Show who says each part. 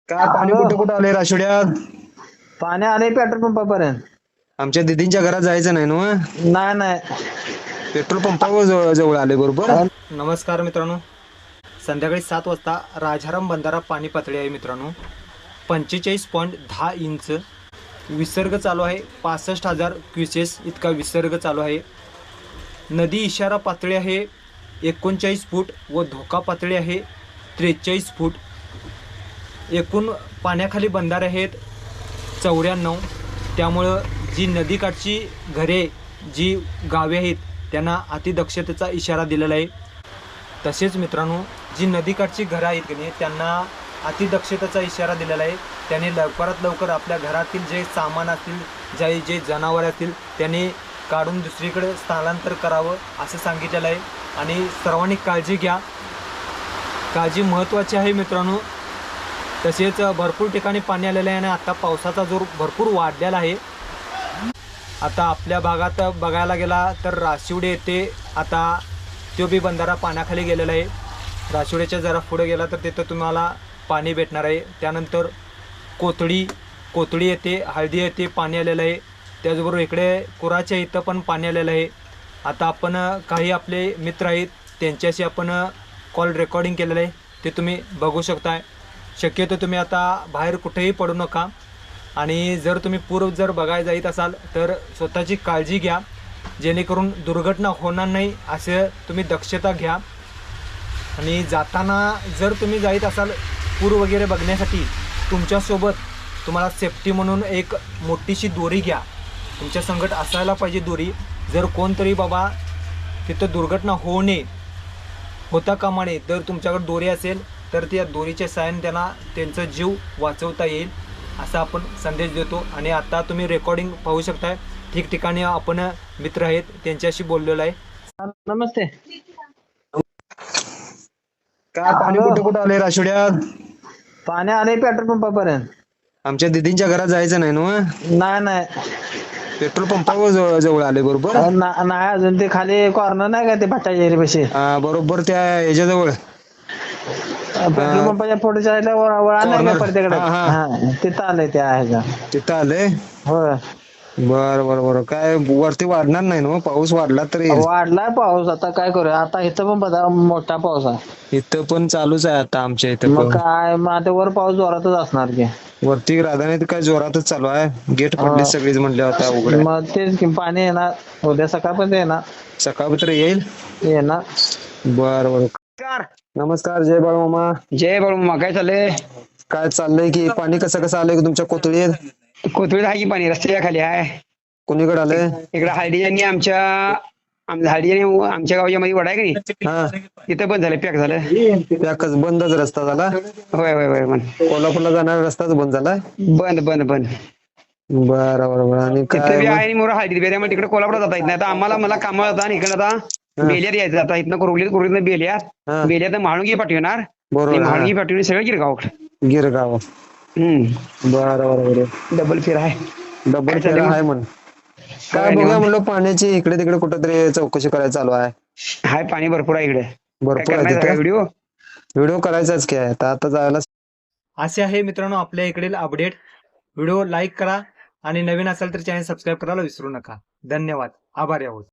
Speaker 1: काय पाणी कुठे कुठे आले राशुड्यात?
Speaker 2: पाणी आले पेट्रोल पंपापर्यंत.
Speaker 1: आमच्या दीदींच्या घरात जायचं नाही ना?
Speaker 2: नाही नाही.
Speaker 1: पेट्रोल पंपावर जवळ आले बरोबर.
Speaker 3: नमस्कार मित्रांनो, संध्याकाळी 7 वाजता राजाराम बंधारा पाणी पातळी आहे मित्रांनो. 45.10 इंच विसर्ग चालू आहे. 65,000 क्युसेस इतका विसर्ग चालू आहे. नदी इशारा पातळी आहे 39 फूट व धोका पातळी आहे 43 फूट. एकूण पाण्याखाली बंधारे आहेत 94. त्यामुळं जी नदीकाठची घरे, जी गावे आहेत त्यांना अतिदक्षतेचा इशारा दिलेला आहे. तसेच मित्रांनो, जी नदीकाठची घरं आहेत की नाही त्यांना अतिदक्षतेचा इशारा दिलेला आहे. त्याने लवकरात लवकर आपल्या घरातील जे सामान असतील, जे जनावर असतील त्याने काढून दुसरीकडे स्थलांतर करावं असं सांगितलेलं आहे. आणि सर्वांनी काळजी घ्या, काळजी महत्त्वाची आहे मित्रांनो. तसेच भरपूर ठिकाणी पाणी आलेलं आहे आणि आता पावसाचा जोर भरपूर वाढलेला आहे. आता आपल्या भागात बघायला गेला तर राशिवडे येथे आता तो बी बंधारा पाण्याखाली गेलेला आहे. राशिवड्याच्या जरा पुढे गेला तर तिथं तुम्हाला पाणी भेटणार आहे. त्यानंतर कोथळी येथे, हळदी येथे पाणी आलेलं आहे. त्याचबरोबर इकडे कुराच्या इथं पण पाणी आलेलं आहे. आता आपण काही आपले मित्र आहेत त्यांच्याशी आपण कॉल रेकॉर्डिंग केलेलं आहे, ते तुम्ही बघू शकताय. शक्यतो तुम्ही आता बाहेर कुठेही पडू नका. आणि जर तुम्ही पूर्व जर बघायला जात असाल तर स्वतःची काळजी घ्या, जेणेकरून दुर्घटना होणार नाही असे तुम्ही दक्षता घ्या. आणि जाताना जर तुम्ही जात असाल पूर वगैरे बघण्यासाठी, तुमच्यासोबत तुम्हाला सेफ्टी म्हणून एक मोठीशी दोरी घ्या. तुमच्या संगत असायला पाहिजे दोरी. जर कोणतरी बाबा तिथं दुर्घटना होऊ नये, होता कामा नये, तर तुमच्याकडे दोरी असेल तर त्या दोरीच्या साहाय्याने त्यांना त्यांचा जीव वाचवता येईल असा आपण संदेश देतो. आणि आता तुम्ही रेकॉर्डिंग पाहू शकताय, ठिकठिकाणी आपण मित्र आहेत त्यांच्याशी बोललेलो आहे.
Speaker 2: नमस्ते.
Speaker 1: काय पाणी कुठे कुठे आले राशुड्यात?
Speaker 2: पाणी आले पेट्रोल पंपापर्यंत.
Speaker 1: आमच्या दीदींच्या घरात जायचं नाही ना?
Speaker 2: नाही नाही.
Speaker 1: पेट्रोल पंपावर जवळ आले बरोबर.
Speaker 2: नाही अजून ते खाली कॉर्नर नाही का ते भट्टाच्या एरियापाशी.
Speaker 1: बरोबर त्या ह्याच्याजवळ
Speaker 2: पेट्रोल पंपाच्या पुढच्या साईडला वळा नाही का प्रत्येकडे,
Speaker 1: हा.
Speaker 2: तिथं आलंय त्या ह्याच्या.
Speaker 1: तिथं आले.
Speaker 2: होय,
Speaker 1: बर बर बर. काय वरती वाढणार नाही ना? पाऊस वाढला तरी
Speaker 2: वाढलाय पाऊस. आता काय करूया, आता इथं पण बघा मोठा पाऊस आहे.
Speaker 1: इथं पण चालूच आहे आता आमच्या इथं
Speaker 2: मग
Speaker 1: पण.
Speaker 2: काय, मग आता वर पाऊस जोरातच असणार की.
Speaker 1: वरती राधाने काय जोरातच चालू आहे. गेट पडली सगळीच म्हणले होता उघड्या.
Speaker 2: मग तेच की, पाणी येणार उद्या सकाळपर्यंत येणार.
Speaker 1: सकाळपत्र येईल.
Speaker 2: येणार.
Speaker 1: बर बर. नमस्कार. जय बाळूमामा.
Speaker 4: जय बाळू, काय चाललंय?
Speaker 1: काय चाललंय की पाणी कसं कसं आलंय तुमच्या कोथळीत?
Speaker 4: कोथळीत आहे की पाणी, रस्त्याच्या खाली आहे.
Speaker 1: कोणीकडे आलंय?
Speaker 4: इकडे हळदीयांनी आमच्या गावाच्या मध्ये वडा आहे की नाही,
Speaker 1: हा,
Speaker 4: तिथं बंद झालं, पॅक झालं.
Speaker 1: त्या बंदच रस्ता झाला.
Speaker 4: होय होय होय, बंद
Speaker 1: कोल्हापूरला जाणारा रस्ताच बंद झालाय.
Speaker 4: बंद बंद बंद.
Speaker 1: बरं बरं बरं. आणि
Speaker 4: तिथं
Speaker 1: काय
Speaker 4: बी
Speaker 1: मग?
Speaker 4: आहे मोर हळदी बी, त्यामुळे तिकडे कोल्हापूरला जाता येत नाही. आता मला कामाला जाता आणि इकडे आता बेल्यात यायचं. आता इथनं कुरवलीत
Speaker 1: हा.
Speaker 4: बेल्यात महाळुंगी पाठवणार.
Speaker 1: बरोबर.
Speaker 4: महाळुंगी पाठवून सगळं गिरगाव.
Speaker 1: गिरगाव. बरं बरं बरं.
Speaker 4: डबल फेर आहे.
Speaker 1: डबल
Speaker 4: काय
Speaker 1: फेरा
Speaker 4: चाललंय?
Speaker 1: आहे म्हण. काय बघूया म्हणलं, पाण्याची इकडे तिकडे कुठेतरी चौकशी करायला चालू आहे.
Speaker 4: हाय, पाणी भरपूर आहे इकडे.
Speaker 1: भरपूर आहे तिथे.
Speaker 4: व्हिडिओ
Speaker 1: व्हिडिओ करायचाच की आहे आता जायला.
Speaker 3: असे आहे मित्रांनो आपल्या इकडील अपडेट. व्हिडिओ लाईक करा आणि नवीन असेल तर चॅनल सबस्क्राईब करायला विसरू नका. धन्यवाद. आभारी आहोत.